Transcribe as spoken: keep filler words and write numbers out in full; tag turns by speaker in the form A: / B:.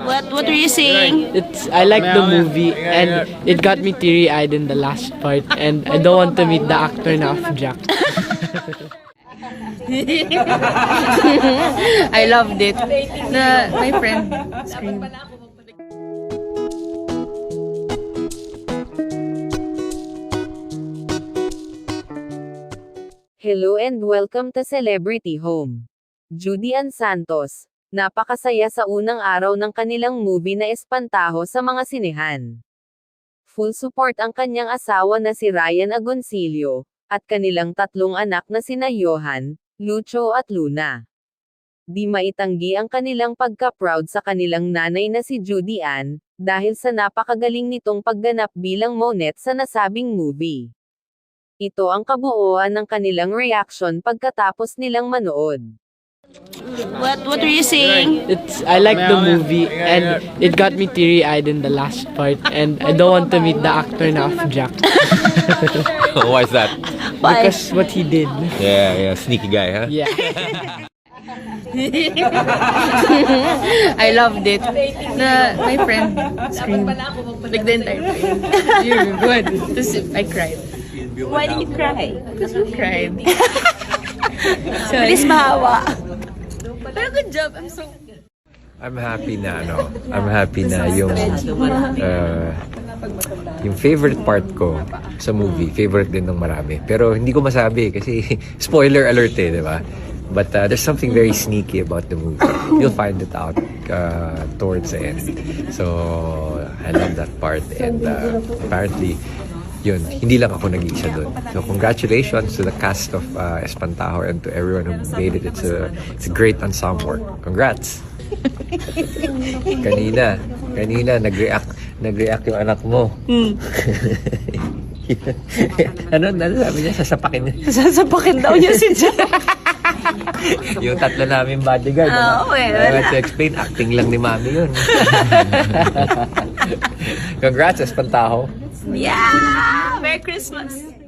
A: What What were you saying?
B: It's I like the movie and it got me teary-eyed in the last part and I don't want to meet the actor na of Jack.
A: I loved it. Na my friend screamed.
C: Hello and welcome to Celebrity Home. Judy Ann Santos, napakasaya sa unang araw ng kanilang movie na Espantaho sa mga sinehan. Full support ang kanyang asawa na si Ryan Agoncillo, at kanilang tatlong anak na sina Johan, Lucho at Luna. Di maitanggi ang kanilang pagka-proud sa kanilang nanay na si Judy Ann, dahil sa napakagaling nitong pagganap bilang Monette sa nasabing movie. Ito ang kabuuan ng kanilang reaction pagkatapos nilang manood.
A: What What were you saying?
B: It's I like the movie and it got me teary-eyed in the last part and I don't want to meet the actor na of Jack.
D: Why is that?
A: Why?
B: Because what he did.
D: Yeah, yeah, sneaky guy, huh?
B: Yeah.
A: I loved it. Na my friend screamed like the entire time. You're good. Tapos I cried. Why did you cry? Because I cried. Bilis mahawa. Pero good job. I'm so...
D: I'm happy na, ano, I'm happy na yung, uh, yung favorite part ko sa movie, favorite din ng marami. Pero hindi ko masabi kasi spoiler alert eh, di ba? But uh, there's something very sneaky about the movie. You'll find it out uh, towards the end. So, I love that part. And uh, apparently, yun, hindi lang ako nag-iisa doon. So congratulations to the cast of uh, Espantaho and to everyone who made it. It's a, it's a great ensemble. Congrats! Kanina, kanina nag-react, nag-react yung anak mo.
A: Hmm.
D: ano, ano sabi niya? Sasapakin niya.
A: Sasapakin daw niya si Jack.
D: Yung tatlo namin bodyguard.
A: Ah,
D: ano?
A: well.
D: I want to explain, acting lang ni Mami yun. Congrats, Espantaho.
A: Yeah! Merry Christmas!